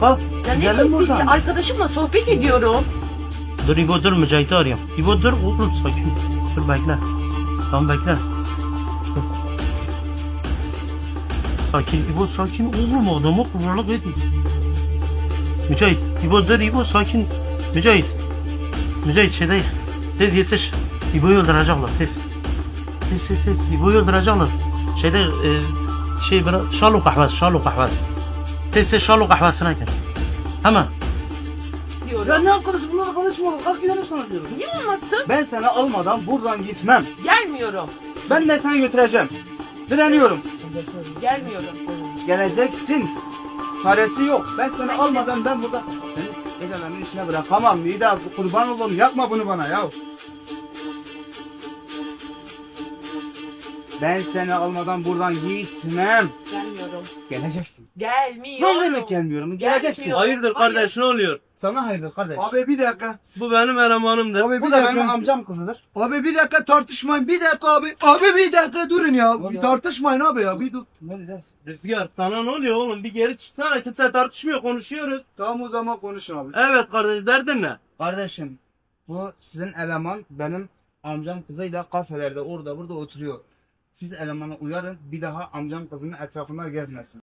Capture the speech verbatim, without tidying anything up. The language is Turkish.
Bak Ya ne gidelim diyorsun buradan. ya? Arkadaşımla sohbet ediyorum. Dur İbo dur Mücahit'i arayayım. İbo dur oğlum sakin. Dur bekle. Tamam bekle. Dur. Sakin İbo sakin oğlum adamı kurarlık edin. Mücahit İbo dur İbo sakin. Mücahit. Mücahit şey değil. Tez yetiş. İbo'yu öldürecekler tez. Tez tez tez. İbo'yu öldürecekler. Şeyde e, şey bırak. Şalu kahvesi şalu kahvesi. Tez tez şalu kahvesine gel. Hemen. Diyorum. Ya ne arkadaşı bunlar arkadaş mı olur? Kalk gidelim sana diyorum. Niye olmasın? Ben seni almadan buradan gitmem. Gelmiyorum. Ben de seni götüreceğim. Direniyorum. Gelmiyorum. Geleceksin. Çaresi yok. Ben seni Ben almadan ben burada seni el alemin içine bırakamam. Nida kurban olalım yapma bunu bana ya. Ben seni almadan buradan gitmem. Gelmiyorum. Geleceksin. Gelmiyorum. Ne demek gelmiyorum? Geleceksin. Gelmiyorum. Hayırdır kardeş ne oluyor? Sana hayırdır kardeş. Abi bir dakika. Bu benim elemanımdır. Abi bir Bu da benim dakika. amcam kızıdır. Abi bir dakika tartışmayın. Bir dakika abi. Abi bir dakika durun ya. Ne Bir ya? tartışmayın abi ya. Bir dur. Ne diyeceğiz? Rüzgar sana ne oluyor oğlum? Bir geri çıksana kimse tartışmıyor konuşuyoruz. Tamam o zaman konuşun abi. Evet kardeş derdin ne? Kardeşim bu sizin eleman benim amcam kızıyla kafelerde orada burada oturuyor. Siz elemana uyarın bir daha amcam kızının etrafında gezmesin.